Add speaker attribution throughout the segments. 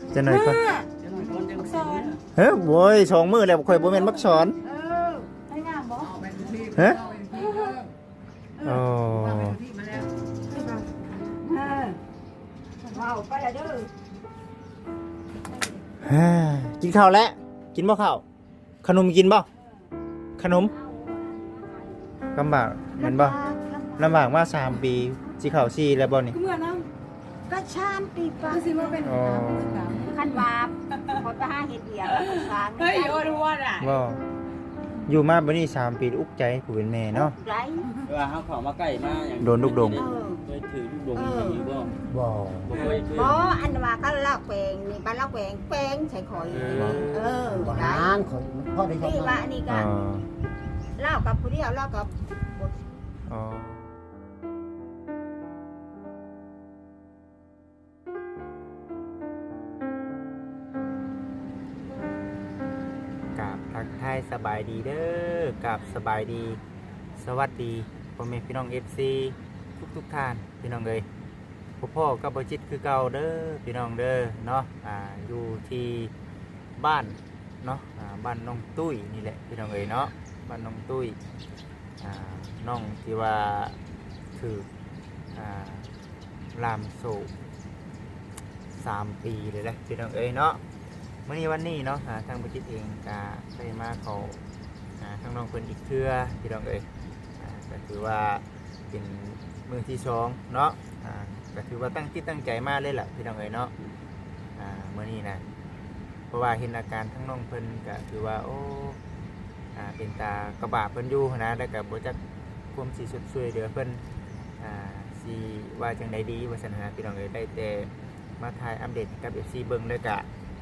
Speaker 1: จะหน่อยก่อน
Speaker 2: บักซอน
Speaker 1: เฮ้ยโว้ยสองมือแล้วข่อยบ่แม่นมักสอน
Speaker 2: ให้งามบ่
Speaker 1: ฮะโอ้
Speaker 2: ว้าวไปละเด้อ
Speaker 1: ฮ่ากินข้าวแล้วกินบ่ข้าวขนมกินบ่ขนมลำบากแม่นบ่ลำบากมา3 ปีสิเข้า4แล้วบ่นี่
Speaker 2: คือเมื่อน้
Speaker 3: ก็ชามปีปะ
Speaker 2: ำสิมาเป็น
Speaker 1: อ๋อ
Speaker 3: ขันวาบพอไปหาเห็ดเดียวสาม
Speaker 2: เฮ้ยโอ้ดอ่ะ
Speaker 1: บ่อยู่มาบ่นี่3 ปีอุกใจผู้เป็นแม่เนาะ
Speaker 3: ไร
Speaker 4: ว่าเฮาเข้ามาใกล้มาอย่าง
Speaker 1: โดนลูกดง
Speaker 4: เคยถือลูกดงอยู่บ่
Speaker 1: บ่
Speaker 4: บ่เคย
Speaker 3: บ่อันว่าก็ลอกแปลงนี่บ้านลอกแปลงใส่ข่อยได้
Speaker 5: ของพ่อได้
Speaker 3: ที่ว่านี่
Speaker 1: อ๋
Speaker 3: ก็
Speaker 1: อ
Speaker 3: เล่ากับผู้เดียวเล่ากับ
Speaker 1: อ๋อ กับทักทายสบายดีเด้อกับสบายดีสวัสดีพ่อแม่พี่น้อง FC ทุกท่านพี่น้องเลยพ่อกับบจิตคือเก่าเด้อพี่น้องเด้อเนาะอยู่ที่บ้านเนาะบ้านน้องตุ้ยนี่แหละพี่น้องเลยเนาะบ้านน้องตุ้ยน้องที่ว่าถือลามโศก3 ปีเลยแหละพี่น้องเอ้ยเนาะเมื่อนี้วันนี้เนาะทางบจิตเองก็ได้มาเขาทางน้องเพิ่นอีกเทื่อพี่น้องเอ้ยก็ถือว่าเป็นมือที่2เนาะก็ถือว่าตั้งจิตตั้งใจมาเลยแหละพี่น้องเอ้ยเนาะเมื่อนี้นะเพราะว่าเห็นอาการทั้งน้องเพิ่นก็ถือว่าโอ้เป็นตากระบะเพิ่นอยู่นะแล้วก็บ่จักความสิสุดช่วยเหลือเพิ่นสิว่าจังไดดีว่าซั่นหาพี่น้องเอ้ยได้แต่มาถ่ายอัปเดตกับ FC เบิ่งเลยก็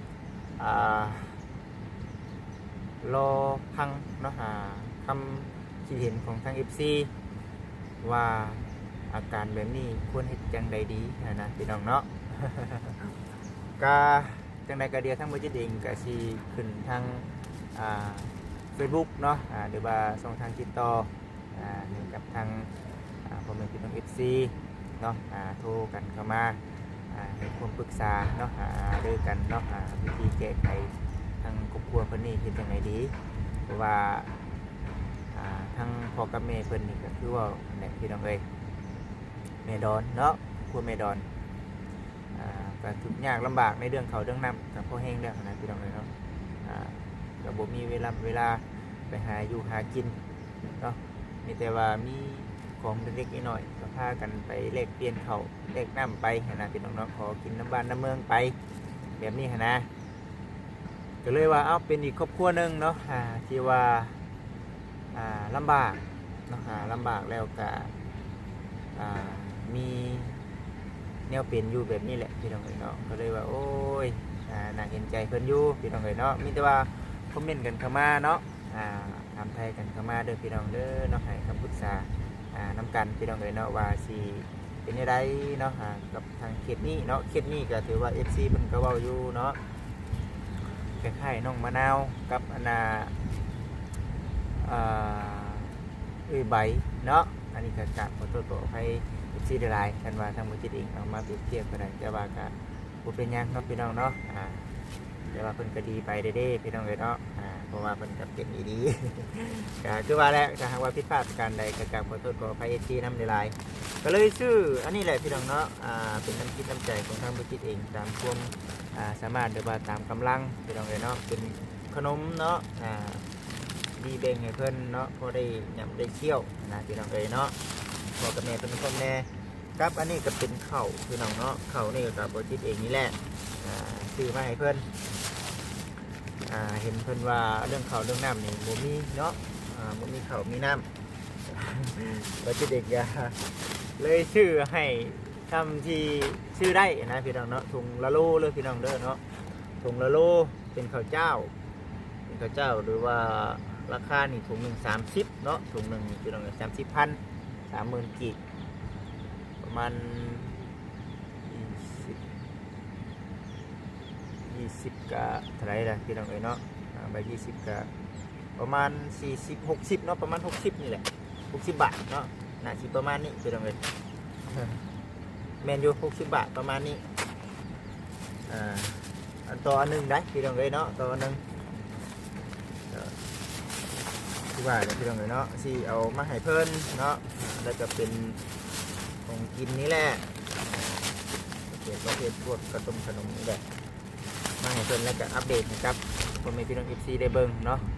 Speaker 1: รอฟังเนาะคำคิดเห็นของทาง FC ว่าอาการแบบนี้ควรเฮ็ดจังไดดีนะพี่น้องเนาะ ก็จังไดก็เดียวทั้งบ่จิตเองก็สิขึ้นทางFacebook เนาะหรือว่าช่องทางติดต่อกับทางพ่อแม่พี่น้อง FC เนาะโทรกันเข้ามาให้ความปรึกษาเนาะด้วยกันเนาะวิธีแก้ไขทางครอบครัวเพิ่นนี่เฮ็ดจังไดดีเพราะว่าทางพ่อกับแม่เพิ่นนี่ก็คือว่าแม่พี่น้องเอ้ยแม่ดอนเนาะครัวแม่ดอนก็ทุกข์ยากลำบากในเรื่องเขาวเรื่องน้ำกับพ่อแห้งเรื่องนะพี่น้องเอ้ยเนาะก็บ่มีเวลาไปหาอยู่หากินเนาะมีแต่ว่ามีของเล็กๆน้อยๆก็พากันไปแลกเปลี่ยนเขาแลกน้ำไปนะพี่น้องเนาะขอกินน้ำบ้านน้ำเมืองไปแบบนี้นะก็เลยว่าเอาเป็นอีกครอบครัวหนึ่งเนาะที่ว่าลำบากเนาะลำบากแล้วก็มีแนวเป็นอยู่แบบนี้แหละพี่น้องเนาะก็เลยว่าโอ้ยน่าเห็นใจเพิ่นอยู่พี่น้องเนาะมีแต่ว่าคอมเมนต์กันเข้ามาเนาะถามไทยกันเข้ามาเด้อพี่น้องเด้อเนาะให้คำปรึกษาน้ำกันพี่น้องเนาะว่าสิเป็นยังไงเนาะกับทางเขตนี้เนาะเขตนี้ก็ถือว่า FC เพิ่นก็เว้าอยู่เนาะคล้ายๆน้องมะนาวกับใบเนาะอันนี้ก็กราบขอโทษขออภัย FC ได้หลายกันว่าทางบ่จิตเองเอามาเปรียบเทียบกันได้แต่ว่าก็บ่เป็นหยังเนาะพี่น้องเนาะแต่ว่าเพิ่นก็ดีไปเด้ๆพี่น้องเนาะเพราะว่าเพิ่นก็เป็นดีๆ ก็คือว่าแล้วถ้าหากว่าผิดพลาดประการใดก็กราบขอโทษขออภัย FC นำหลายๆก็เลยชื่ออันนี้แหละพี่น้องเนาะเป็นน้ำจิตน้ำใจของทางบ่จิตเองตามความสามารถหรือว่าตามกำลังพี่น้องเนาะเป็นขนมเนาะดีแบ่งให้เพิ่นเนาะพอได้ยำได้เคี่ยวนะพี่น้องเนาะพอกับแม่เป็นคนแน่ครับอันนี้ก็เป็นข้าวพี่น้องเนาะข้าวนี่ก็บ่จิตเองนี่แหละซื้อมาให้เพิ่นเห็นเพิ่นว่าเรื่องข้าวเรื่องน้ำนี่บ่มีเนาะบ่มีข้าวมีน้ำบ่จิตเองก็เลยชื่อให้ทำที่ชื่อได้นะพี่น้องเนาะถุงละโลเลยพี่น้องเด้อเนาะถุงละโลเป็นข้าวเจ้าหรือว่าราคานี่ถุงหนึ่ง30เนาะถุงหนึ่งพี่น้อง30,000 30,000 กีบประมาณ20กับเท่าไหร่ล่ะพี่น้องเนาะใบ20กับประมาณ40-60เนาะประมาณ60นี่แหละ60 บาทเนาะน่าสิประมาณนี้พี่น้องแมนยู60 บาทประมาณนี้ตัวอันหนึงได้พี่น้องเอ้ยเนาะตัวอันหนึงที่ว่าเนี่ยพี่น้องเอ้ยเนาะสิเอามาให้เพิ่นเนาะแล้วก็เป็นของกินนี่แหละประเภทพวกกระต้มขนมนี่แหละมาให้เพิ่นแล้วก็อัปเดตนะครับพ่อแม่พี่น้อง FC ได้เบิ่งเนาะ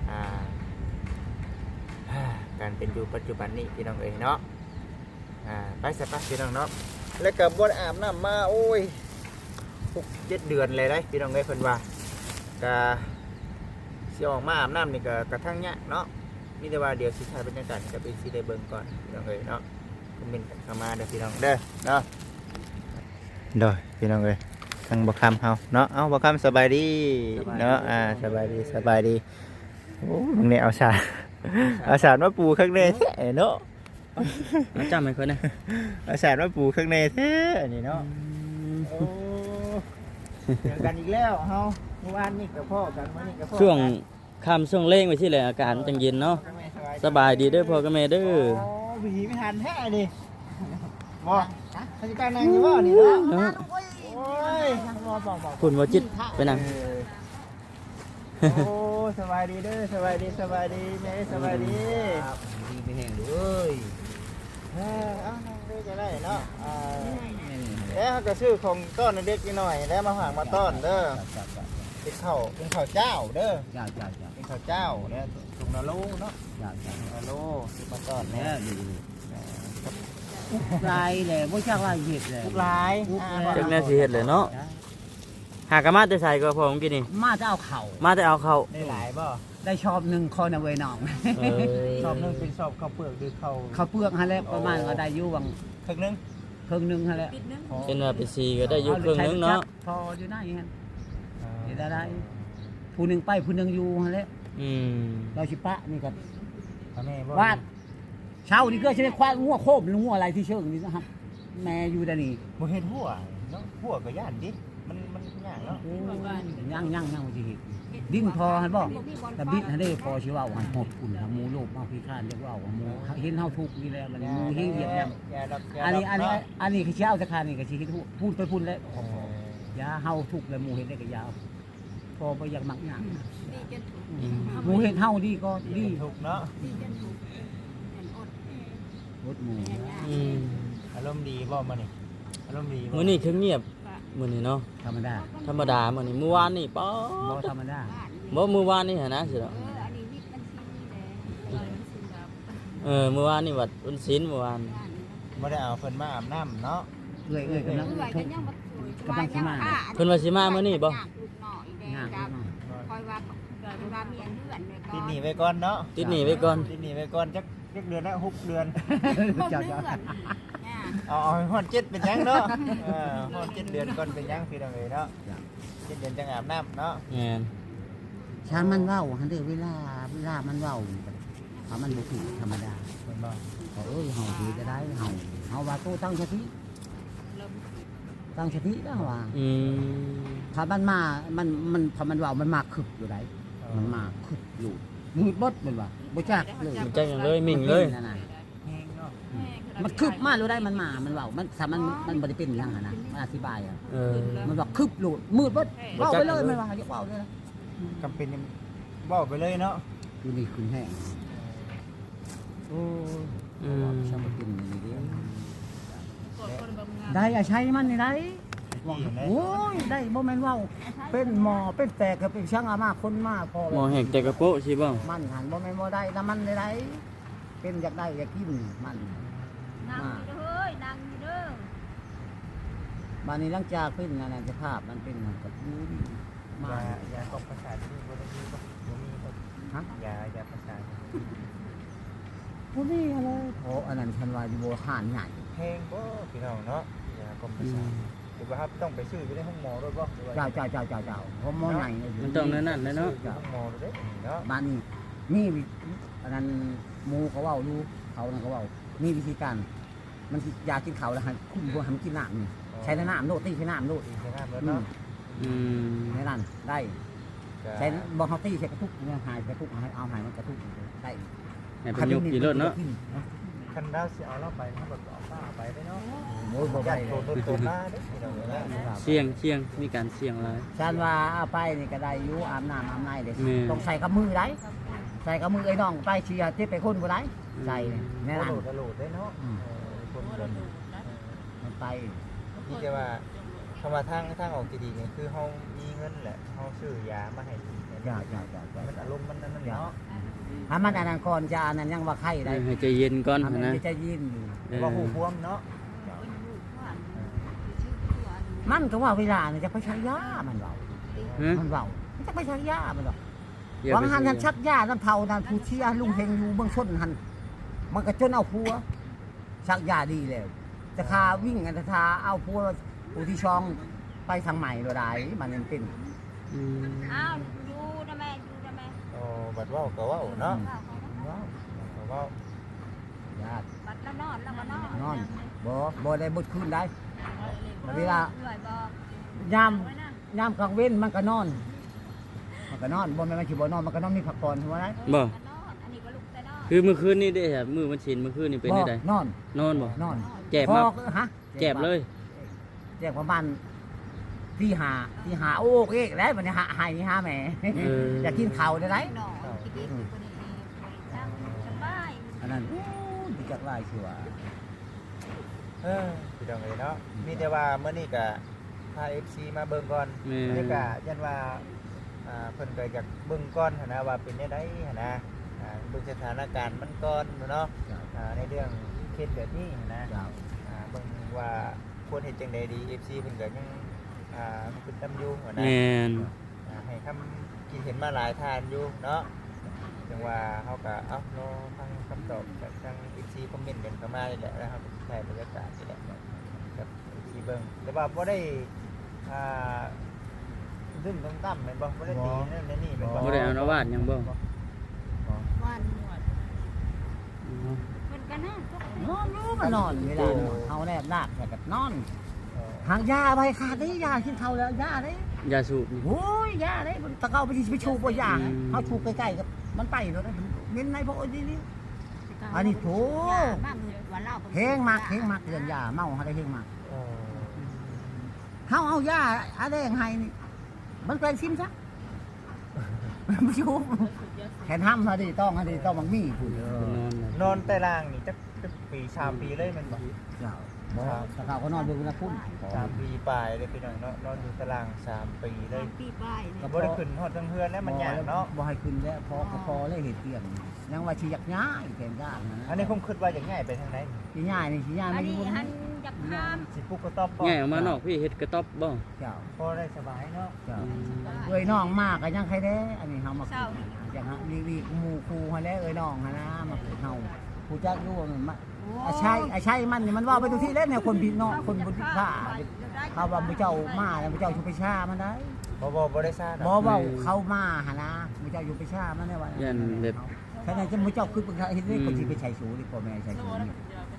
Speaker 1: การเป็นอยู่ปัจจุบันนี้พี่น้องเอ้ยเนาะไปสักพักพี่น้องเนาะแล้วก็บ่ได้อาบน้ำมาโอ้ย6-7 เดือนเลยได้พี่น้องเอ้ยเพิ่นว่าก็สิออกมาอาบน้ำนี่ก็กระทั่งยากเนาะมีแต่ว่าเดี๋ยวสิถ่ายบรรยากาศกับ FC ได้เบิ่งก่อนพี่น้องเอ้ยเนาะคอมเมนต์กันเข้ามาเด้อพี่น้องเด้อเนาะโดยพี่น้องเอ้ยทางบ่คำเฮาเนาะเอาบ่คำสบายดีเนาะสบายดีโอ้มึงเนี่ยเอาสารมาปูข้างในแท้เนาะ
Speaker 4: จำให้คนนะ
Speaker 1: เอาสารมาปูข้างในแท้นี่เนาะโอ้เจอกันอีกแล้วเฮาเมื่อวานนี่กับพ่อกันมื้อนี้กับพ่อ
Speaker 4: ช่วงค่ำช่วงเล่งไปที่แหละอากาศจังเย็นเนาะสบายดีเด้อพ่อกับแม่เด้อ
Speaker 1: โอ้ผีไม่ทันแท้ดิบ่เขาจะการนั่งอยู่บ่นี่เนาะโอ้ยบ่
Speaker 4: คุณวจิตไปนั่ง
Speaker 1: โอ้สบายดีเด้อสบายดีแม่สบายดีดีไปแห้งเลยเอานั่งด้วยก็ได้เนาะแล้วก็ซื้อของต้อนเด็กนิดหน่อยแล้วมาฝากมาต้อนเด้อเป็นข้าวเจ้าเด้อเป็นข้าวเจ้าเนี่ยถุงละโลเนาะละโลมาต้อนเนี่ย
Speaker 5: ลายเลยบ่ชักว่าเห็ดเลย
Speaker 1: ทุกหลาย
Speaker 4: จักแน่สิเฮ็ดเลยเนาะหากะมาแต่ใส่ก็พอผมกินนี่
Speaker 5: มาจะเอาเข่า
Speaker 4: มาแต่เอาเข้า
Speaker 1: ได้หลายบ่
Speaker 5: ได้ชอบหนึ่งคนเอาไว้น้อง
Speaker 1: ชอบนึงเป็นชอบข้าวเปลือกหรือข้าว
Speaker 5: เขาเปลือกฮะแล้วประมาณก็ได้อยู่วัง
Speaker 1: ครึ่งนึง
Speaker 5: ครึ่งหนึงฮะแล้ว
Speaker 4: เป็นว่าเป็นสีก็ได้อยู่ครึ่งนึงเนาะ
Speaker 5: พออยู่ไหนฮะเฮ็ดได้ผู้หนึงไปผู้หนึงอยู่ฮะแล้ว
Speaker 4: อืม
Speaker 5: เราสิปะนี่ก็
Speaker 1: แม่บ่
Speaker 5: วาดเช้านี่ก็สิได้ควายงัวโคมหรืองัวอะไรที่เชิงนี่นะครับแม่อยู่ได้นี่
Speaker 1: บ่เฮ็ดหัวเนาะหัวก็ย่านดิมันยากเนาะ
Speaker 5: โอ้ย่างสิเฮ็ดดิ้นพอหั่นบ่แต่บิดหั่นเด้พอสิเว้าหั่นหดอุ่นหมูโลกมาพิการเรียกว่าหมูเห็นเฮาทุกข์นี่แหละมันหมูเฮ็ดเหยียบย่ำ
Speaker 1: อย่าดอก
Speaker 5: อันนี้คือเช้าสักคานี่ก็สิเฮ็ดพูดไปพูดแล้วยาเฮาทุกข์แล้วหมู่เฮ็ดได้ก็ยาพอบ่อยากมักหยังหมู่เฮ็ดเฮาดีก็ดี
Speaker 1: ถูกเนาะ
Speaker 5: รถหมู่
Speaker 4: อืม
Speaker 1: อารมณ์ดีบ่มื้อนี้อารมณ์ดีบ่
Speaker 4: มื้อนี้คือเงียบมื้อนี้เนาะ
Speaker 5: ธรรมดา
Speaker 4: ธรรมดามื้อนี้เมื่อวานนี่ป๊อ
Speaker 5: บ่ธรรมดา
Speaker 4: บ่มื้อวานนี่หั่นนะสิเนาะเมื่อวานนี่วัดวันศีลเมื่อวาน
Speaker 1: บ่ได้เอาเพิ่นมาอาบน้ำเนาะ
Speaker 5: เอ้ยกำลังทุกข์กำลังสิมา
Speaker 4: เพิ่นว่าสิมามื้อนี้บ่
Speaker 5: งาน
Speaker 3: คอยว่ามีอันเดือนเลยก็
Speaker 1: ติดหนีไว้ก่อนเนาะ
Speaker 4: ติดหนี้ไว้ก่อน
Speaker 1: ติดหนีไว้ก่อนจักเดือนละ6เดือน
Speaker 5: เจ้า
Speaker 1: เอาให้ฮอด7เป็นหยังเนาะฮอด7เดือนก่อนเป็นหยังพี่น้องเอ้ยเนาะ7เดือนจังอาบน้ำเนาะ
Speaker 4: แม่น
Speaker 5: ชานมันเว้าหั่นเด้เวลามันเว้าถ้ามันบ่ถูกธรรมดา
Speaker 1: เพิ่นบ่
Speaker 5: เอ้ยเฮาสิจะได้เฮาว่าโตตั้งสติแล้วว่า
Speaker 4: อืม
Speaker 5: ถ้ามันมา มันพอมันว่ามันมาคึกอยู่ไหนมันมาคึกอยู่มืดบดมันว่าบ่จักเลย
Speaker 4: มันจังอย่างเลยมิ่งเลย
Speaker 5: นั่นน่ะ
Speaker 1: แห้งเนาะ
Speaker 5: มันคึบมารู้ได้มันมา มันว่ามันถ้ามันบ่ได้เป็นอย่างนั้นนะมันอธิบายอ่ะ มันว่าคึบโลดมืดบดเว้าไปเลยมันว่าอย่าเว้าเลยนะ
Speaker 1: จำเป็นยังเว้าไปเลยเนาะ
Speaker 5: คือนี่ขึ้นแห้งโอ้
Speaker 4: อืม
Speaker 5: ชอบกินนี่ดิได้อย่าใช้มันนี่ได้โอ้ยได้บ่แม่นเว้าเป็นหมอเป็นแตกก็เป็นช่างอามาคนมาพอ
Speaker 4: หมอแหกแต่กระโปะสิบ่
Speaker 5: มันหันบ่แม่นบ่ได้น้ำมันได้ได้เป็นอยากได้อยากกินมัน
Speaker 3: นั่งอยู่เฮ้ยนั่งอยู่เด้อ
Speaker 5: บ้านนี้หลังจากเป็นนั่นน่ะสภาพมันเป็นมันก็ดูดีมาย
Speaker 1: าตกประสาทที่บ่ได้มีบ่มีบ่
Speaker 5: ฮะ
Speaker 1: ยาประสาท
Speaker 5: บ่มีอะไรโอ้อันนั้นฉันว่าอยู่บ่หานใหญ่
Speaker 1: แพงบ่พี่น้องเนาะยากรมประสาทหรือว่าครับต้องไปซื้ออยู่ในห้องหมอด้วยบ่หรือว่า
Speaker 5: เจ้าผมหมอใหญ่
Speaker 4: มันต้องนั่นเลยเนาะ
Speaker 1: อยู่ห้องหมอด้วยเนาะ
Speaker 5: บ้านนี้มีอันนั้นหมู่เขาเว้าอยู่เขานั่นเขาเว้ามีวิธีการมันสิยากินเขาแล้วให้คุมบ่ให้มันกินน้ำนี่ใช้น้ำโลดตีใช้น้ำโลด
Speaker 1: ใช้น้ำแล้วเนาะ
Speaker 4: อืม
Speaker 5: ในนั้นได้ใช้บ่เฮาตีใช้กระทุกเนี่ยหายกระทุกเอาหายมันกระทุกได้
Speaker 4: ให้เป็นยุกกี่รถเนาะ
Speaker 1: ขคันดาวสิเอาเราไปมันก็เอาป้าไปได้เนาะ
Speaker 5: โอ้ยบ่
Speaker 1: ญา
Speaker 5: ได้
Speaker 1: ติโตมาเด้พี่น้องเอ้ย
Speaker 4: เสี่ยงมีการเสี่ยงหลาย
Speaker 5: ฉันว่าเอาไปนี่ก็ได้อยู่อาบน้ำอาบในเด้
Speaker 4: แม่
Speaker 5: ต้องใส่กับมือได้ใส่กับมือไอ้น้องไปเชียร์ที่ไปคนบ่ได้ใส่แน่นอน
Speaker 1: โหลดได้เนาะคนเดิน
Speaker 5: มันไป
Speaker 1: ที่จะว่าคำว่าทางออกที่ดีนี่คือเฮามีเงินแหละเฮาซื้อยามาให้กิน
Speaker 5: อย่า
Speaker 1: มันอารมณ์มันนั่นเนาะ
Speaker 5: ถ้ามันอันนั้นก่อนจะอันนั้นยังว่าไข้ได้
Speaker 4: ให้ใจเย็นก่อน
Speaker 5: ทำ
Speaker 4: นะ
Speaker 5: ให้ใจยินอยู่
Speaker 1: ว่าหูพวมเนาะ
Speaker 5: มันก็ว่าเวลาเนี่ยจะไปใช้ยามันเบา
Speaker 4: ฮะ
Speaker 5: มันเบามันจะไปใช้ยามันหรอก
Speaker 4: อย่า
Speaker 5: บาง
Speaker 4: ไป
Speaker 5: หัน
Speaker 4: เสี่ย
Speaker 5: ทันชักยาน้ำเท่านั้นผู้เชียร์ลุงเฮงอยู่เบื้องชนหันมันก็จนเอาพัวชักยาดีแล้วจะคาวิ่งกันจะทาเอาพัวผู้ที่ช่องไปทางใหม่เราได้มันยังเป็น
Speaker 4: อืม
Speaker 3: อ้าวอยู่นะแม่อยู่นะแม่
Speaker 1: อ๋อบัดว่าก็ว่าเนาะ
Speaker 5: ว้าว
Speaker 1: ก็ว่า
Speaker 5: ญาติ
Speaker 3: บัดแล้วนอนแล้วก็นอน
Speaker 5: นอนบ่ได้บุดคืนได้เวลา
Speaker 3: เหนื่อยบ่
Speaker 5: ยามกลางเว้นมันก็นอนบ่แม่นมันสิบ่นอนมันก็นอนมีพักผ่อนหัวได้
Speaker 4: บ่
Speaker 3: นอนอันนี้ก็ลุกแต่นอน
Speaker 4: คือเมื่อคืนนี่ได้ครับมื้อมันชินเมื่อคืนนี่เป็นได้
Speaker 5: นอน
Speaker 4: นอนบ่
Speaker 5: นอน
Speaker 4: แจ็บมา
Speaker 5: พอฮะ
Speaker 4: แจ็บเลย
Speaker 5: แจกประมาณที่หาโอ้เอ๊ะแล้วมันหาหายหาแม่อยากกินข้าวได้ไหม
Speaker 3: นอนคิดดีอยู่คนนี้จังสบาย
Speaker 5: อันนั้นดีจักไรชัว
Speaker 1: พี่น้องเอ้ยเนาะมีแต่ว่ามื้อนี้ก็พา FC มาเบิ่งก่อน
Speaker 4: แม่
Speaker 1: นี่ก็ยันว่าเพิ่นก็อยากเบิ่งก่อนหันนะว่าเป็นจังได๋หันนะเบิ่งสถานการณ์มันก่อนเนาะในเรื่องเคสแบบนี้หั้นนะ
Speaker 5: เจ้า
Speaker 1: เบิ่งว่าควรเฮ็ดจังได๋ดี FC เพิ่นก็ยังคิดนำอยู่หันนะ
Speaker 4: แม่น
Speaker 1: ให้คำคิดเห็นมาหลายทานอยู่เนาะจังว่าเฮาก็เอ้ารอฟังคำตอบจากทาง FC คอมเมนต์กันเข้ามานี่แหละแล้วครับใช้บรรยากาศนี่แหละกับ FC เบิ่งแต่ว่าบ่ได้ดึงต้องตั้มแม่นบ่บ่ได้ตีนั่นนี่แม่นบ่
Speaker 4: บ่ได้เอานวาดหยังบ่
Speaker 3: วันเพิ่นก็นั่ง
Speaker 5: นอนรู้มันนอนเวลาเขาแนบนาคแต่กับนอนหางยาไปขาดได้ยากินเท่าแล้วยาได้
Speaker 4: ยาสูบนี่
Speaker 5: โอ้ยยาได้ตะเกาไปไปชูบ่ยาเขาชูใกล้ๆกับมันไปแล้วนะเน้นในพวกนี้อันนี้โถ
Speaker 3: บ้างวันเล่า
Speaker 5: เฮงมากเรื่องยาเมาอะไรเฮงมาก
Speaker 1: เออ
Speaker 5: เขาเอายาอะไรอย่างไงนี่มันเป็นซิมซะไม่ชูแขนห้ำฮะดิต้องมันมีผู้เย
Speaker 1: นอนแต่ล่างนี่จักปี3ปีเลยแม่นบ่
Speaker 5: เจ้าตะเกาก็นอนดูนะพุ่น
Speaker 1: 3ปีปลายเลยพี่น้องเนาะนอนอยู่ตาราง3ปีเลย
Speaker 3: ปีป้าย
Speaker 1: ก็บ่ได้ขึ้นฮอดทั้งเฮือนแล้วมันยากเนาะ
Speaker 5: บ่ให้ขึ้นแล้วพอเลยเหตุเกี่ยงยังว่าชีอยากย้ายแขนย่างนะ
Speaker 1: อันนี้ผมคิดว่าจะง่ายไปทางไหน
Speaker 5: ชีย้ายนี่ชีย้าย
Speaker 3: อั
Speaker 5: ไม่
Speaker 3: น
Speaker 5: อยู่
Speaker 3: นี้
Speaker 5: บน
Speaker 3: หันจับพาม
Speaker 1: สิปุ๊กก็ตอบบ่
Speaker 4: ง่ายออกมานอกพี่เฮ็ดกระต๊อบบ่
Speaker 5: เจ้า
Speaker 1: พอได้สบายเนาะ
Speaker 5: เจ้าเอ้ยน้องมากก็ยังใครแด้อันนี้เฮามาอย่างฮะลีหมู่ครูฮะแล้วเอ้ยน้องฮะนะมาเฮาผู้จักอยู่มันอาชัยมันนี่มันว่าไปทุกที่แล้วเนี่ยคนผิดเนาะคนบ่ผิดพลาดเขาว่าพระเจ้ามาแล้วพระเจ้าชุบไปชามันได้
Speaker 1: บ่ได้ซ่า
Speaker 5: บ่เว้าเข้ามาหานะพระเจ้าอยู่ไปชามันได้ว่า
Speaker 4: ยันแบบ
Speaker 5: แค่นั้นจะพระเจ้าคือเฮ็ดได้คนที่ไปใช้สูนี่พ่อแม่ใช้สูนี่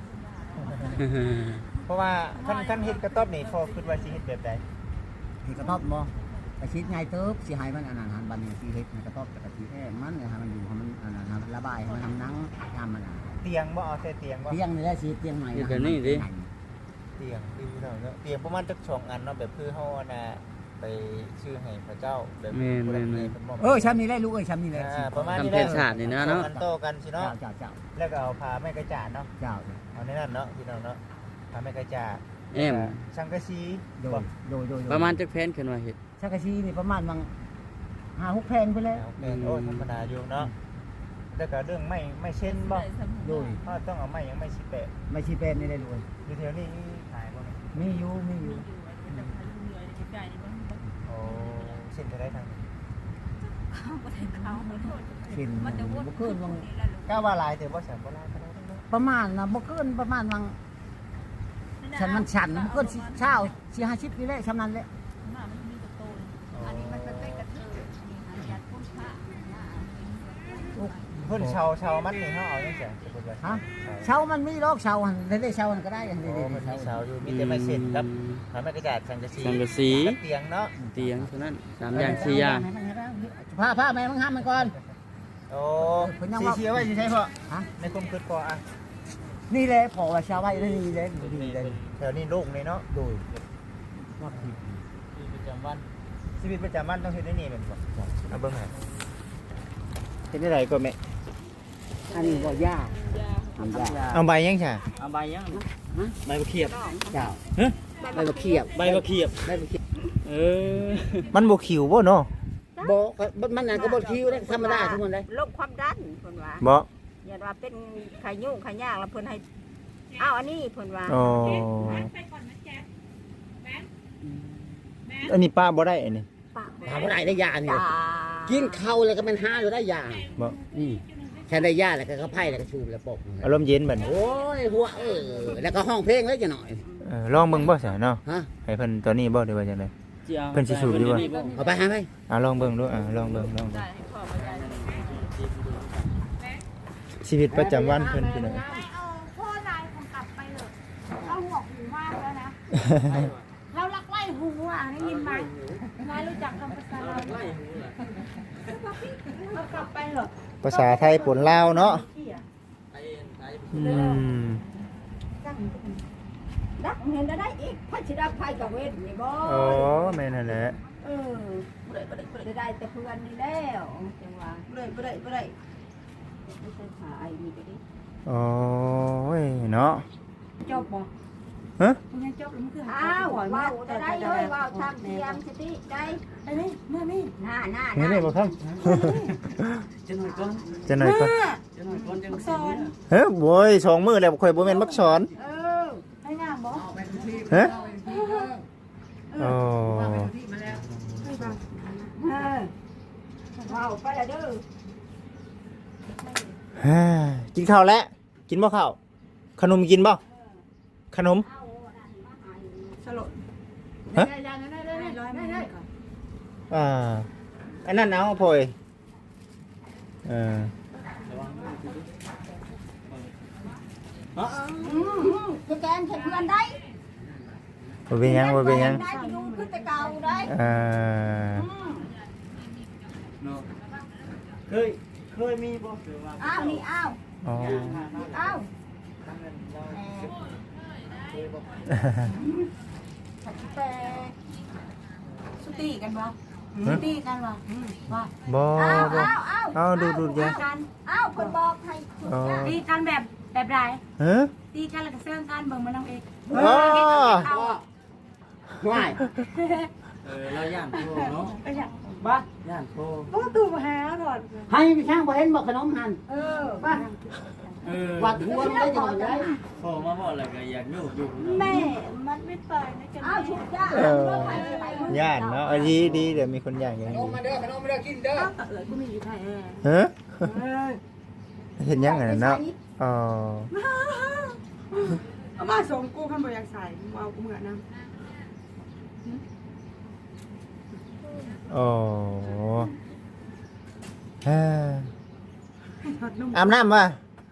Speaker 1: เพราะว่าคันเฮ็ดกระต๊อบนี่พอคิดว่าสิเฮ็ดแบบใด
Speaker 5: เฮ็ดกระต๊อบบ่กระชิดใหญ่เติบสิให้มันอันนั้นหันบัดนี้สิเฮ็ดกระต๊อบกระชิดแอ้มันให้มันอยู่ให้มันอันนั้นระบายให้มันทำหนังยามมัน
Speaker 1: เตียงบ่เอาแต่เตียงบ่
Speaker 5: เตียงนี่แหละสิเตียงใหม่
Speaker 1: เตียงพี่น้องเนาะเตียงประมาณจัก2อันเนาะแบบคือเฮาน่ะไปชื่อให้พระเจ้าแบบผู้ใดเพิ่นมอบ
Speaker 5: ชั้นนี้แหละลูกชั้นนี้แหละ
Speaker 1: ประมาณ
Speaker 4: ทำ
Speaker 1: นี้
Speaker 4: แผนศาสตร์นี่นะเนาะ
Speaker 1: อันโตกันสิเนาะ
Speaker 5: เจ้า
Speaker 1: แล้วก็เอาผ้าไม้กระจาดเนาะ
Speaker 5: เจ้า
Speaker 1: เอาในนั้นเนาะพี่น้องเนาะผ้าไม้กระจาด
Speaker 4: แอม
Speaker 1: สังกะสี
Speaker 5: โดย
Speaker 4: ประมาณจักแผ่นขึ้นว่าเฮ็ด
Speaker 5: ชักกะชีนี่ประมาณบาง5-6แพงไปแล้ว
Speaker 1: เป็นโอ้ธรรมดาอยู่เนาะแล้วก็เรื่องไม่เช่นบ่
Speaker 5: โดย
Speaker 1: เพราะต้องเอาไม้ยังไม่สิแปะ
Speaker 5: ไม่ชีเป็นนี่ได้รวย
Speaker 1: อยู่แถวนี้ขายบ่เนี่ย
Speaker 5: มีอยู่
Speaker 1: โอ้เส้นจะได้ทางนี้
Speaker 5: สินบ่เกินบาง
Speaker 1: ก้าวว่าลายแต่ว่าแสนบ่ลายก็ได้เนาะ
Speaker 5: ประมาณนะบ่เกินประมาณบางฉันมันฉันบ่เกินเช้า4-50นี่แหละชำนั้นแหละ
Speaker 3: อันนี้มันเป็นกระเทยนี่หันยัดพุ่นผ้า
Speaker 1: เพิ่นเชามันนี่เฮาเอาจังซี่สมมุติว่า
Speaker 5: ฮะเช้ามันมีโรคเช้าหันได้เช้ามันก็ได้อัน
Speaker 1: โอ้
Speaker 5: นี้
Speaker 1: มันมีเชาอยู่มีแต่ไม้เส้นครับผ้าไม้กระจาดสังกะสี
Speaker 4: สังกะสี
Speaker 1: กับเตียงเนาะ
Speaker 4: เตียงเท่านั้น3อย่าง4อย่าง
Speaker 5: ผ้าแม่มึงห้ามมันก่อน
Speaker 1: โอ้
Speaker 5: เพิ่นยัง
Speaker 1: สี
Speaker 5: ว่า
Speaker 1: เชียวไว้สิใช่พ่อ
Speaker 5: ฮะ
Speaker 1: ในความคิดพ่ออ่ะ
Speaker 5: นี่แหละพอว่าชาวไร่นี่แหละนี่แหละ
Speaker 1: แถวนี้โล่งเลยเนาะ
Speaker 5: โดยว่าผิด
Speaker 4: ประจำวัน
Speaker 1: ชีวิตประจำวันต้องเฮ็ดได้นี่แม่นบ่เอาเบิ่งให้เฮ็ดได้ไรก็แม่
Speaker 5: อันนี้ก็ยากทำยาก
Speaker 1: เอาใบยังค่ะ
Speaker 4: เอาใบยังใบมะเขียบ
Speaker 5: เจ้า
Speaker 4: ฮะ
Speaker 5: ใบมะเขียบ
Speaker 4: ใบมะเขียบ
Speaker 5: ใบมะเขียบ
Speaker 4: เออ
Speaker 1: มันบ่ขิวบ่เนาะ
Speaker 5: บอกมันนั่นก็บ่คิวได้ธรรมดาทุกคนเลย
Speaker 3: โรคความดันเพิ่นว่า
Speaker 1: บ่
Speaker 3: อย่าว่าเป็นไข้ยุ่งไข้ยากแล้วเพิ่นให้อ้าวอันนี้เพิ่นว่า
Speaker 1: อ๋ออันนี้ป้าบ่ได้อันนี้
Speaker 3: ปาก
Speaker 5: ถามว่าได้ยาเนี่ย
Speaker 3: ตา
Speaker 5: กินข้าวแล้วก็มันหาอยู่ได้ยา
Speaker 1: บ่
Speaker 5: แค่ได้ยาแล้วก็เขาไพ่แล้วก็ชูบแล้วปก
Speaker 1: อารมณ์เย็นบัดนี้
Speaker 5: โอ้ยหัวแล้วก็ห้องเพลงแล้วจะหน่อย
Speaker 1: ลองเบิ่งบ่ซะเนาะ
Speaker 5: ฮะ
Speaker 1: ให้เพิ่นตอนนี้บ่ได้ว่าจังได๋
Speaker 4: สิอา
Speaker 1: เพิ่นสิสูบอยู่บ่
Speaker 5: เอาไปหาไป
Speaker 1: ลองเบิ่งดูลองเบิ่งชีวิตประจำวันเพิ่นพี่น้อง
Speaker 2: เอาพ่อนายของกลับไปเลยเราหัวหูมากแล้วนะ เราลักไล่หูอ่ะได้ยินไหมนายรู้จักคำภาษาเราไหมเรากลับไปเหรอ
Speaker 1: ภาษาไทยปนลาวเนาะอืม
Speaker 3: ดักเห็นได้อีกพระชิดาภัยกับเวทนี่บ่
Speaker 1: อ๋อแม่นั่นแหละ
Speaker 3: เออได้แต่เพื่อนนี่แล้วจังว่าบ่ได้ไม่ใช่หาไอ้นี่ก็ดิ
Speaker 1: โอ้ยเนาะ
Speaker 2: จบบ่
Speaker 1: ฮะ
Speaker 2: มึงยังจบแล้วมึงคือหา
Speaker 3: อ้าว
Speaker 2: ก่อน
Speaker 3: ว้าวได้เลยว้าวทางเทียมสติได้
Speaker 2: ไอ้นี่เมื่อนี่
Speaker 3: หน้า
Speaker 1: เห็นได้บ่ครับ
Speaker 5: จะหน่อยก่อน
Speaker 1: จะหน่อยก่อน
Speaker 5: จะหน่อยก่อนจัง
Speaker 2: สอน
Speaker 1: เฮ้ยโว้ย2มื้อแล้วข่อยบ่แม่นมักสอน
Speaker 3: เออ
Speaker 2: ให้งามบ่
Speaker 1: ฮะโอ้
Speaker 3: ว้าวไปละเด้อ
Speaker 1: ฮ่ากินข้าวแล้วกินบ่ข้าวขนมกินบ่ขนม
Speaker 2: สลด
Speaker 1: ฮะ
Speaker 2: ได้ร้อยมึงก่อน
Speaker 1: อันนั้นเอาพ่อย
Speaker 3: จะแกนเพื่อนได้
Speaker 1: บ่เป็นหยังบ่เป็นหยัง
Speaker 3: ได้ไปดูขึ้นแต่เก่าได้
Speaker 4: เคยมีบ่
Speaker 3: อ้าวนี่อ้าว
Speaker 1: อ๋อ
Speaker 3: อ้าว
Speaker 2: แต่สุตีกันบ่สุตีกันบ่ว่า
Speaker 1: บ่
Speaker 3: อ้าว
Speaker 1: บ่
Speaker 3: อ้าวอ้าว
Speaker 1: เอาดูๆจ้ะ
Speaker 2: กัน
Speaker 3: อ้าวคนบอกให้ถูกจ้ะ
Speaker 2: ตีกันแบบใด
Speaker 1: ฮะ
Speaker 2: ตีกันแล้วก็เสื่องกันเบิ่งมันน้องเอก
Speaker 1: อ๋อ
Speaker 2: เอา
Speaker 5: ห่วย
Speaker 4: เราย่านโตเนาะ
Speaker 2: ไปจ้ะ
Speaker 5: บ้า
Speaker 4: ย่านโต
Speaker 2: โอ้ตู่มาหาถอด
Speaker 5: ให้ช่างบ่เห็นบอกขนมหัน
Speaker 3: เออ
Speaker 5: บ้า วัดหัวมันได้จังได๋
Speaker 4: พอมาบอกแล้วก็อยากอยู่
Speaker 2: แม่มันไม่เปิดนะจ๊ะ
Speaker 3: อ้าวถูกจ้ะ
Speaker 1: ย่านเนาะดีเดี๋ยวมีคนย่านอย่าง
Speaker 5: ขน
Speaker 1: นี้
Speaker 5: มมาเด้อขนมมาเด้อกินเด้อ
Speaker 2: กูมีอยู่ไทย
Speaker 1: ฮะเห็นยังไงเนาะอ๋อ
Speaker 2: เอามาส่งกูขันบ่อยากใส่เอากูเหมือนนะ
Speaker 1: อ๋ออาบน้ำป่ะ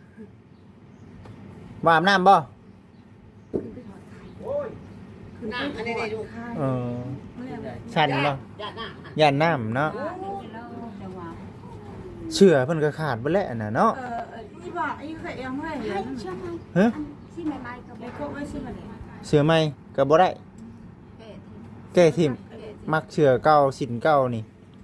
Speaker 1: ว่าอาบน้ำป่ะ
Speaker 5: น้ำอันนี้ดู
Speaker 1: เออชันป่ะ
Speaker 5: ญาติหน้า
Speaker 1: ย่านน้ำเนาะเชื่อเพิ่นก็ขาดไปแล้วน่ะเนาะ
Speaker 2: นี่บอกไอ้เคยเอาเมื่อไหร่
Speaker 3: ให้ช่าง
Speaker 1: ฮะ
Speaker 3: ที่ใหม่ๆก็
Speaker 2: ไอ้
Speaker 3: บ่
Speaker 2: โก้ไม่ใช่แบบนี้
Speaker 1: เชื่อไหมก็บ่ได้แก้ทิมมักเชื่อเก่าสินเก่านี่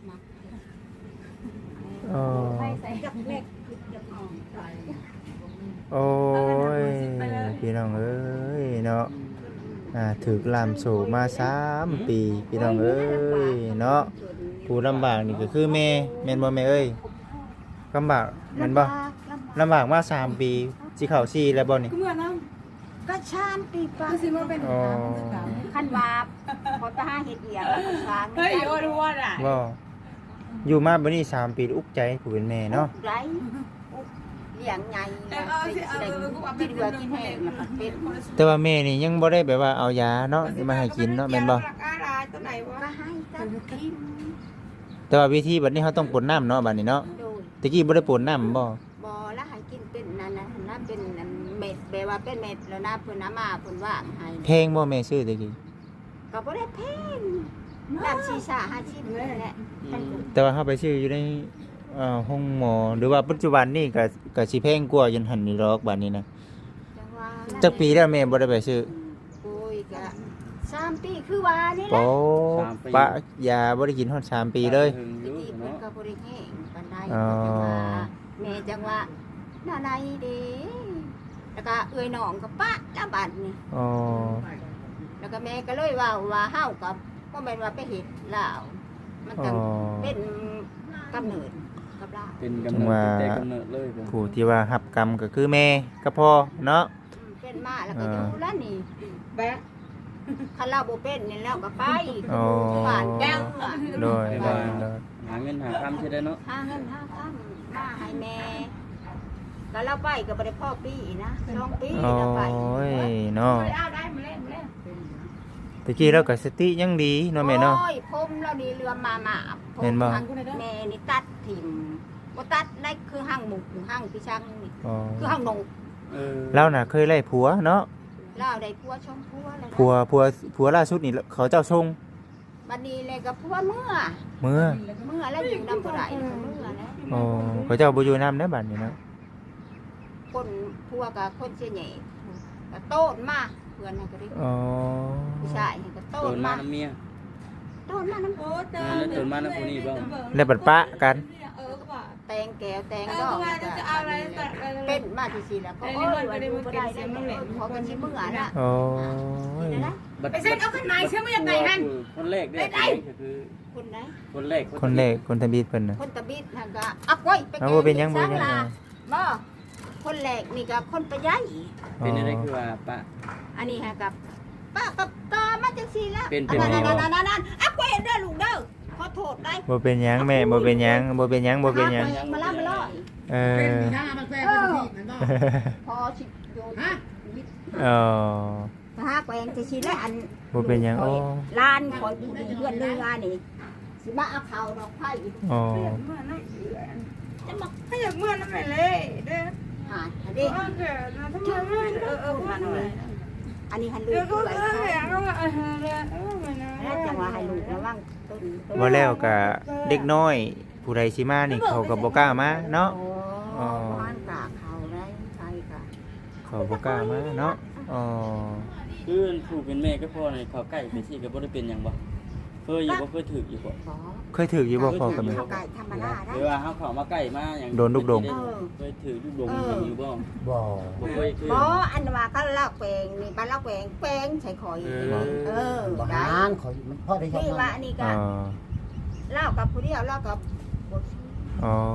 Speaker 1: อ๋อ
Speaker 3: ใส่กับเล็กกับอ่อน
Speaker 1: โอ้ยพี่น้องเอ้ยเนาะถึกลามโศมา3 ปีพี่น้องเอ้ยเนาะผู้ลำบากนี่ก็คือแม่แม่นบ่แม่เอ้ยลำบากแม่นบ่ลำบากมา3 ปีสิเข้า4แล้วบ่นี่
Speaker 2: กูเหมือนนะ
Speaker 3: ก็ชามปีปลา
Speaker 2: กูสิมาเป็น
Speaker 1: อ๋อ
Speaker 3: คันวาบพอตาเฮ็ดเอียงแล้วก็ช้าง
Speaker 2: เฮ้ยโอ้ดูว่าอ่ะ
Speaker 1: บ่อยู่มาบัดนี้3 ปีอุกใจผู้เป็นแม่เนาะ
Speaker 3: ไรเลี้ยงไงกินเบื่อกินแห้งแล้วก็เป็น
Speaker 1: แต่ว่าแม่นี่ยังบ่ได้แบบว่าเอายาเนาะมาให้กินเนาะแม่นบ่
Speaker 2: อะไรตัวไหนวะ
Speaker 3: ก็ให้กันกิน
Speaker 1: แต่ว่าวิธีบัดนี้เขาต้องปนน้ำเนาะบัดนี้เนาะ
Speaker 3: โดย
Speaker 1: ตะกี้บ่ได้ปนน้ำบ่
Speaker 3: บ่แล้วให้กินเป็นนั่นนะนั่นเป็นเม็ดแปลว่าเป็นเม็ดแล้วนะเพิ่นน้ำมาเพิ่นว่างให้
Speaker 1: แพงบ่แม่ซื้อตะกี้
Speaker 3: ก็บ่ได้แพงน้ำชีสา50นี่แหละ
Speaker 1: แต่ว่าเฮาไปซื้ออยู่ในห้องหมอหรือว่าปัจจุบันนี่ก็สิแพงกว่ายันหันนี่ดอกบัดนี้นะจักปีแล้วแม่บ่ได้ไปซื้อ
Speaker 3: โอ้ยกะ3 ปีคือว่านี่แห
Speaker 1: โอ้
Speaker 3: ละ
Speaker 1: ปะยาบ่ได้กินฮอด3 ปีเลย
Speaker 3: ตะกี้เพิ่นก็บ่ได้แห้งปานใด
Speaker 1: อ๋อ
Speaker 3: แม่จังว่าหน้าใดเด้แล้วก็เอื้อยน้องก็ปะละบัดนี่
Speaker 1: อ๋อ
Speaker 3: แล้วก็แม่ก็เลยว่าเฮากับบ่แม่นว่าไปเฮ็ดลาวมันจังเป็นกำเนิดกับลาว
Speaker 4: เป็นกำเนิดแต่กำเนิดเลยผม
Speaker 1: ผู้ที่ว่ารับกรรมก็คือแม่กับพ่อเนาะ
Speaker 3: เป็นมาแล้วก็อยู่แล้วนี่แบะคันเราบ่เป็นนี่แล้วก็ไป
Speaker 1: อ๋อ
Speaker 3: บ้านแก้ว
Speaker 1: โดยโดยโดย
Speaker 4: หาเงินหาคำใช่ได้เนาะ
Speaker 3: หาเงินหาคำมาให้แม่แล้วเราไปก็บ่ได้พ่อปีนะ2 ปี
Speaker 1: โอ้
Speaker 3: แล้วไป
Speaker 1: ยเนาะ
Speaker 2: เอาได้มาเล่น
Speaker 1: ตะกี้เราก็สติยังดีเนาะแม่เนาะ
Speaker 3: โอ้ยผมเรานี่เรือมาผม
Speaker 1: เห็นบ่
Speaker 3: หั่งแม่นี่ตัดถิ่มบ่ตัดได้คือหั่งหมูหั่งพี่ช่างนี่
Speaker 1: อ๋อ
Speaker 3: คือหั่งหนู
Speaker 1: เราน่ะเคยไล่ผัวเนาะ
Speaker 3: เราได้ผัวชมผัวแล้วนะ
Speaker 1: ผัวล่าสุดนี่เขาเจ้าทรง
Speaker 3: บัดนี้เลยกับผัวเมื่อ
Speaker 1: เมื่อ
Speaker 3: แล้วอยู่นำบ่ได้แล้วก็เมื่อแล้ว
Speaker 1: อ๋อเขาเจ้าบ่อยู่นำได้บัดนี้เนาะ
Speaker 3: คนผัวกับคนเสียใหญ่ก็โตนมาเพื่อนให้ก็ได้
Speaker 1: อ๋อ
Speaker 3: ผู้ชายให้ก็โต
Speaker 4: โด
Speaker 3: น
Speaker 4: นมา
Speaker 3: มา
Speaker 4: น้ำเมีย
Speaker 3: โตนมาน้ำโต
Speaker 4: แล้วโดนมาน้ำผู้นี้บ้าง
Speaker 1: แล้วบัดปะกัน
Speaker 3: แตงแก้วแตงดอกเป็นมาที่สิแล้วก็โอ้ยว่าอยู่บ่ได้แล้วเขาก็สิเมื่อน่ะ
Speaker 1: โอ้ย
Speaker 3: นี่นะ
Speaker 2: ไปเซ็นเอาขึ้นมาเชื่อไม่ยังไงฮัน
Speaker 4: คนแรกได้ก็คือ
Speaker 3: คนไหน
Speaker 4: คนแรก
Speaker 1: คนแรกคนทำบิดเพิ่นน่ะ
Speaker 3: คนตะบิดนั่นก็อักไว้ไป
Speaker 1: เอาบ่เป็นหยังบ่
Speaker 3: สร้า
Speaker 1: เป็นหยัง
Speaker 3: ลาบ่คนแรกนี่ก็คนประหยัด
Speaker 4: เป็นอะไรคือว่าปะ
Speaker 3: อันนี้ฮะกับป้ากับตามาจังซี่ละ
Speaker 4: เป็น
Speaker 3: นั่นอักไว้เด้อลูกเด้อขอโทษได้
Speaker 1: บ่เป็นหยังแม่บ่เป็นหยังบ่เป็นหยังบ่เป็นหยัง
Speaker 3: มาละมาละ
Speaker 1: เออ
Speaker 3: พอสิโยน
Speaker 1: อ๋อ
Speaker 3: หาแกงจะสิแล้วอัน
Speaker 1: บ่เป็นหยังโอ้
Speaker 3: ลานคอยผู้ดีเพื่อนเรือนี่สิมาเอาข้าวดอกไผ่
Speaker 1: อ๋อ
Speaker 3: จะมา
Speaker 2: ถ้าอยากเมื่อนั่นไปเลยเด้อ
Speaker 3: หาอันนี้
Speaker 2: เกิดนะทำไมไม่
Speaker 3: อันนี้หันลูก
Speaker 2: เดี๋ยวก็
Speaker 3: ด้วย
Speaker 2: อยากว่าเดี๋ยวไม่นะ
Speaker 3: แล้วจังว่าให้ลูกระวังต้น
Speaker 1: บ่แล้วก็เด็กน้อยผู้ใดสิมานี่เขาก็บ่กล้ามาเนาะ
Speaker 3: โอ้บ้านกะเขาได้ใช่กะ
Speaker 1: เขาบ่กล้ามาเนาะอ๋อ
Speaker 4: คือผู้เป็นแม่ก็พ่อในเขาใกล้ไปสิก็บ่ได้เป็นหยังบ่เคยอยู่บ่เคยถืออยู่บ่
Speaker 3: ขอ
Speaker 1: เคยถืออยู่บ่พ่อกับแม่
Speaker 3: เขาไก่ธรรมดาได้
Speaker 4: หรือว่าเฮาเข้ามาใกล้มาหยังเคยถือลูกดงอยู่บ่
Speaker 5: บ่
Speaker 4: บ่เคยคือ
Speaker 3: บ่อันว่าเขาเล่าแปลงนี่บ้านเล่าแปลงใส่ข่อย
Speaker 5: บ่
Speaker 3: ได้
Speaker 5: นานขอยมันพอได้ชอบ
Speaker 3: นี่ว่า
Speaker 5: นะ
Speaker 3: อันนี้
Speaker 1: อ๋
Speaker 3: ก็
Speaker 1: อ
Speaker 3: เล่ากับผู้เดียวเล่ากับบ่ซื้อ
Speaker 1: อ๋อ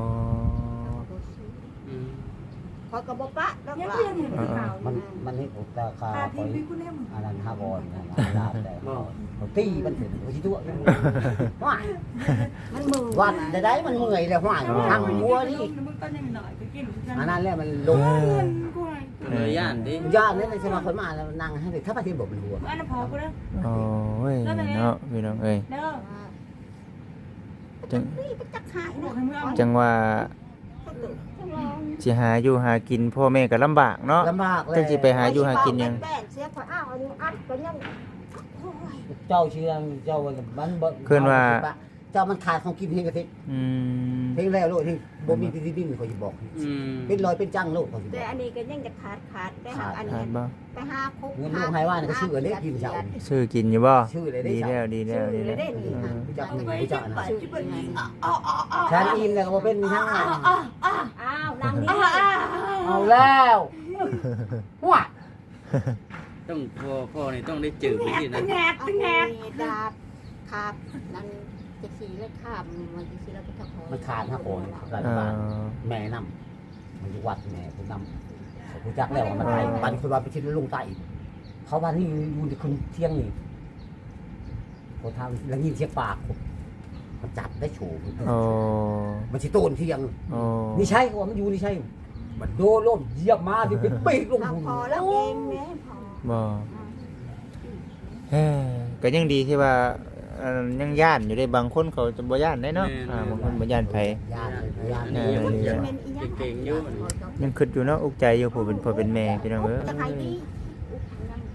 Speaker 3: ขอยก็บ่ปะดอกล่ะ
Speaker 5: มันเฮ็ดอุตาคาขอยอันนั้นฮาบอนนะลาบแต่เขาตีมันถึงบ่สิตัวว้าย
Speaker 3: มันมือ
Speaker 5: วัดได้มันเมื่อยแล้วว้ายทางหัวนี่
Speaker 2: มึงก็ยังหน่อยก็กิน
Speaker 5: อันนั้นแหละมันลง
Speaker 4: เลยย่านดิ
Speaker 5: ยอดนี่ใช่มาคนมาแล้วนั่งให้ถ้าประเทศบ่มันหัว
Speaker 2: อันนั้นพอกูแล้ว
Speaker 1: โอ้ยเนาะพี่น้องเอ้ย
Speaker 2: เด้อ
Speaker 1: จัง
Speaker 3: นี่ไปจักหาย
Speaker 2: บอก
Speaker 3: นะ
Speaker 2: ให้มึงเอา
Speaker 1: จังว่าสิหาอยู่หากินพ่อแม่ก็ลำบากเนาะ
Speaker 5: ลำบากเลย
Speaker 1: จังสิไปหาอยู่หากินยัง
Speaker 3: แป้นเสียข่อยอ้าวอันนี้อัดก็ยัง
Speaker 5: เจ้าเชื่อเจ้ามันเจ้ามันขาดของกินเฮงกะทิ
Speaker 1: อืม
Speaker 5: เฮงแล้วโลดที่บ่มีที่ดินเขาสิบอก เป็นรอยเป็นจังโลกเขาสิบ
Speaker 3: แต่
Speaker 5: อก
Speaker 3: อันนี้ก็ยังจะขาดได้หาอัน
Speaker 1: ขา
Speaker 3: นี้
Speaker 1: ดบ่
Speaker 3: ไปหาคุก
Speaker 5: เงินลูกให้ว่านี่ก็ชื่อเล็กกินเจ้า
Speaker 1: ซื้อกินอยู่บ่
Speaker 5: ชื่อเลยได้
Speaker 1: ดี
Speaker 5: เจ้า
Speaker 1: แล้วดีแล้วดีแล้ว
Speaker 5: ผู้จักผู้จักนะ
Speaker 3: ชื่อไง
Speaker 5: ฉันอิ่มแล้วก็บ่เป็นทั้ง
Speaker 3: อ้าวนางนี่
Speaker 5: เอาแล้วหัว
Speaker 4: ต้องพ่อนี่ต้องได้จืดไปสินะ
Speaker 3: ดาบขาบนั่นจะสีแล้วขาบมันจะสีแล้วก็ตะคอย
Speaker 5: มันขาดฮะโอนรัฐ
Speaker 1: เอ่
Speaker 5: บาล
Speaker 1: อ
Speaker 5: แม่นำมันอยู่วัดแม่ผู้นำผู้จักแล้วมันไปปันคือว่าไปชิดลุงใต้เขาว่านี่อยู่ในคืนเที่ยงนี่พอทางแล้วยินเสียงปากมันจับได้โฉม
Speaker 1: โอ้
Speaker 5: มันสิโตนเที่ยง
Speaker 1: โอ้
Speaker 5: นี่ใช่ก็ว่ามันอยู่นี่ใช่มันโดนล่มเหยียบมาที่เป็นปีกลง
Speaker 3: เรา
Speaker 5: หุ่น
Speaker 3: พอแล้วเองแม่พอ
Speaker 1: บ่เฮ้ยก็ยังดีที่ว่ายังย่านอยู่ได้บางคนเขาจะบ่ย่านได้เนาะบางคนบ่ย่านไผ
Speaker 5: ยานยาน
Speaker 4: เก่งอยู่
Speaker 1: ยังคิดอยู่เนาะอุกใจอยู่ผู้เป็นพ่อเป็นแม่พี่น้องเอ้ย
Speaker 3: จะใครดีจะใคร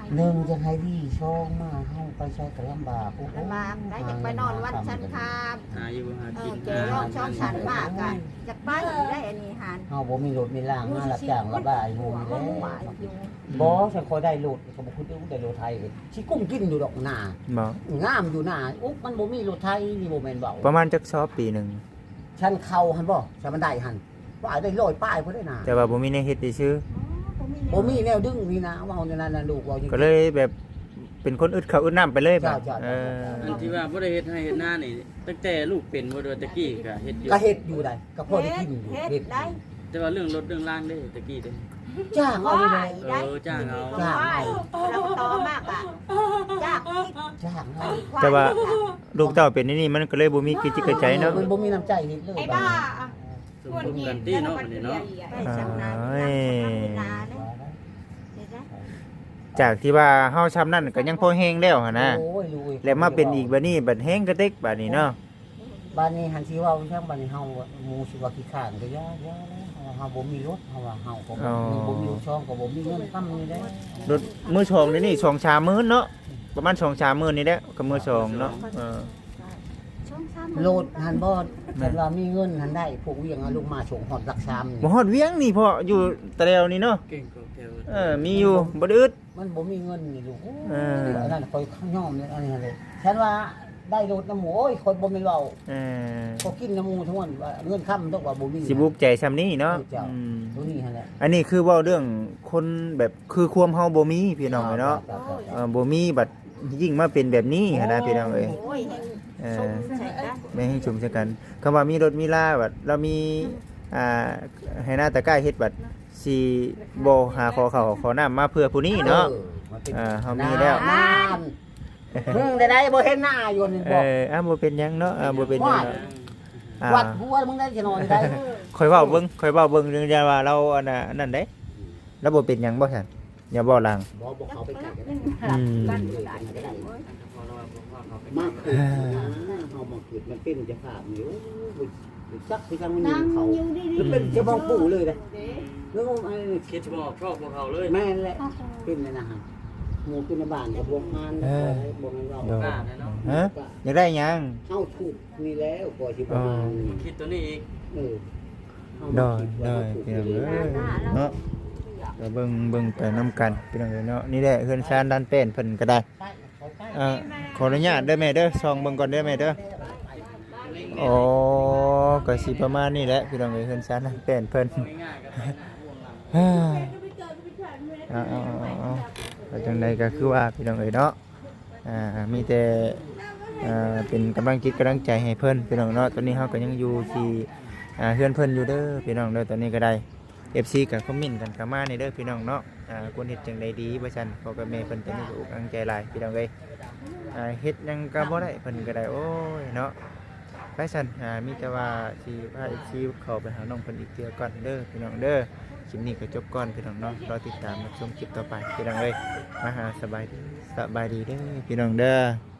Speaker 5: หนึ่งจะให้ดีช่องมาเฮาไปใช้ก็ลำบากโอ้โห
Speaker 3: ลำบากได้อยากไปนอนวัดชันคาม
Speaker 4: หาอยู่หากิน
Speaker 3: เจร้องช่องฉันมากอ่ะอยากไปได้อันนี้หัน
Speaker 5: เฮาบ่มีรถมีล่างมารับจ้างระบายหมู่
Speaker 3: ก็
Speaker 5: นี่
Speaker 3: มุ่งห
Speaker 5: แห
Speaker 3: มา
Speaker 5: ละ
Speaker 3: ยอยู่
Speaker 5: บ่ฉันคอยได้รถก็บ่คุณได้รถไทยสิกุ้มกินอยู่ดอกหน้า
Speaker 1: บ่
Speaker 5: งามอยู่หน้าอุ๊บมันบ่มีรถไทยนี่บ่แม่นเว้า
Speaker 1: ประมาณจักซอบปีหนึง
Speaker 5: ฉันเข้าหั่นบ่ฉันมันได้หั่นว่าได้ร้อยป้ายพุ่นได้น่ะ
Speaker 1: แต่ว่าบ่มีแนวเฮ็ดซื่อ
Speaker 5: บ่มีแนวดึงนี่นะเว้าในนั้นน่ะลูกเว้าจริง
Speaker 1: ก็เลยแบบเป็นคนอึดข้าวอึดน้ำไปเลยบัด
Speaker 5: จ้ะ
Speaker 1: เออ
Speaker 4: อันที่ว่าบ่ได้เฮ็ดให้เฮ็ดหน้านี่ตั้งแต่ลูกเป็นบ่โดยตะกี้ก็เฮ็ดอยู่
Speaker 5: ก็เฮ็ดอยู่ได้ก็พอได้กินอยู่
Speaker 3: เฮ็
Speaker 5: เฮ็
Speaker 3: ด
Speaker 5: ด
Speaker 3: ได้
Speaker 4: แต่ว่าเรื่องรถเรื่องล่างเด้ตะกี้เด้
Speaker 5: จ้างเอาเลย
Speaker 3: ได้
Speaker 4: จ้างเอา
Speaker 3: จ้างเราต่อมากอ่ะจ้าง
Speaker 5: จ้างเอา
Speaker 1: แต่ว่าลูกเต้าเป็นนี่มันก็เลยบ่มีกิจกระใจเนาะ
Speaker 5: มันบ่มีน้ำใจเฮ็ดเลย
Speaker 2: ไอ้บ้า
Speaker 4: สมคบกันตี้เนาะอันนี้เนาะ
Speaker 3: ได้ช่างนานนาเลยเห็นไหม
Speaker 1: จากที่ว่าเฮาช้ำนั่นก็ยังพอแห้งแล้วหั่นนะ
Speaker 5: โอ้ยลูก
Speaker 1: แล้วมาเป็นอีกบัดนี้บัดแห้งกระเต็กบัดนี้เนาะ
Speaker 5: บ้านนี้หันสิเว้าจังบ้านนี้เฮาหมู่สิว่าขี้ข้านก็ย่าเฮาบ่มีรถเฮาว่าเฮาก็บ่มีช่องก็บ่มีเงินค้ำนี่แหละ
Speaker 1: รถมื้อชองนี่ชองชามมื้อเนาะประมาณชองชามมื้อนี่แหละก็มื้อชองเนาะเออ
Speaker 3: ช่องซ้
Speaker 5: โลดหันบ่คันว่ามีเงินหันได้พวกเวียงเอาลงมาส่งฮอดรักชามนี่
Speaker 1: บ่ฮอดเวียงนี่พ่ออยู่ตะแลวนี่เนาะ
Speaker 4: เก่งกว่าแถว
Speaker 1: มีอยู่บ่ได้อึด
Speaker 5: มันบ่มีเงินนี่ลูก
Speaker 1: เออ
Speaker 5: อันนั้นคอยข้างย่อมนี่อันนี้เลยฉันว่าได้รถน้ำหมูโอ้ยคนบ่แม่นเว้า
Speaker 1: เออ
Speaker 5: ก็กินน้ำหมูทั้งวันว่าเงินค้ำต้องว่าบ่มี
Speaker 1: สิบุกใจซำนี้เนาะ
Speaker 5: เจ้า
Speaker 1: อืม
Speaker 5: ตัวนี้หั่นแหละ
Speaker 1: อันนี้คือเว้าเรื่องคนแบบคือความเฮาบ่มีพี่น้องเนาะบ่มีบัดยิ่งมาเป็นแบบนี้หั่นนะพี่น้องเอ้ย
Speaker 3: ำโอ้ย
Speaker 1: เอ
Speaker 3: ชม
Speaker 1: อ
Speaker 3: ใส่กัน
Speaker 1: ไม่ให้ชุมชะกันคำว่ามีรถมีลาบัดเรามีให้หน้าตะกร้าเฮ็ดบัดสิบ่หาขอข้าวขอน้ำมาเพื่อผู้นี้เนาะ
Speaker 5: มันเป็น
Speaker 1: เฮามีแล้ว
Speaker 5: นานได้บ่เห็นหน้าอยู่นี่บอก
Speaker 1: บ่เป็นหยังเนาะบ่เป็นหยังเนาะอ่า
Speaker 5: วัดหัวมึงได้จะนอนได้
Speaker 1: ค่อยเว้าเบิ่งเรื่องว่าเราอันน่ะนั่นเด้แล้วบ่เป็นหยังบ่ซั่นอย่าบ่หลัง
Speaker 5: บอกเขาไปไกลกัน
Speaker 1: อืม
Speaker 3: กันได้ได้
Speaker 5: มากขึ้นเฮามาขึ้นมันเป็นจะภาพนี่จักสิกันมันยิ
Speaker 3: นั่ง
Speaker 5: งเขา
Speaker 3: อยู่ดี
Speaker 5: แล้วเป็นจะมองปู่เลยนะแล้วไอ้
Speaker 4: คิดจะบอกชอบพวกเขาเลย
Speaker 5: แม่นแหละเป็นเลยนะฮะหมูกินในบ้านกับบวกงานบวกงานเรา
Speaker 1: โดน
Speaker 4: กล้าแน่เนาะ
Speaker 1: ฮะอยากได้หยัง
Speaker 5: เข้าถูกนี่แล้วก่อนที่ประมาณ
Speaker 4: คิดตัวนี้อีก
Speaker 1: ได้พี่น้องเอ้ยเนาะก็เบิ่งไปนํกันพี่น้องเอ้ยเนาะนี่แหละเฮือนชานด้านเป็นเพิ่นก็ได้ขออนุญาตเด้อแม่เด้อส่องเบิ่งก่อนเด้อแม่เด้ออ๋อก็สิประมาณนี้แหละพี่น้องเอ้ยเฮือนชานด้านเป็นเพิ่น
Speaker 4: ง่ายๆก็ไป
Speaker 1: เอาก็จังใดก็คือว่าพี่น้องเอ้ยเนาะมีแต่เป็นกำลังจิตกำลังใจให้เพิ่นพี่น้องเนาะตอนนี้เฮาก็ยังอยู่ที่เฮือนเพิ่นอยู่เด้อพี่น้องเด้อตอนนี้ก็ได้ FC ก็คอมเมนต์กันเข้ามาในเด้อพี่น้องเนาะควรเฮ็ดจังใดดีบ่ซั่นพ่อกับแม่เพิ่นตอนนี้ก็อกอังใจหลายพี่น้องเอ้ยเฮ็ดหยังก็บ่ได้เพิ่นก็ได้โอ้ยเนาะไปซั่นมีแต่ว่าสิพา FC เข้าไปหาน้องเพิ่นอีกเทื่อก่อนเด้อพี่น้องเด้อคลิปนี้ก็จบก่อนพี่น้องเนาะรอติดตามรับชมคลิปต่อไปพี่น้องเอ้ยมาหาสบายดีเด้อพี่น้องเด้อ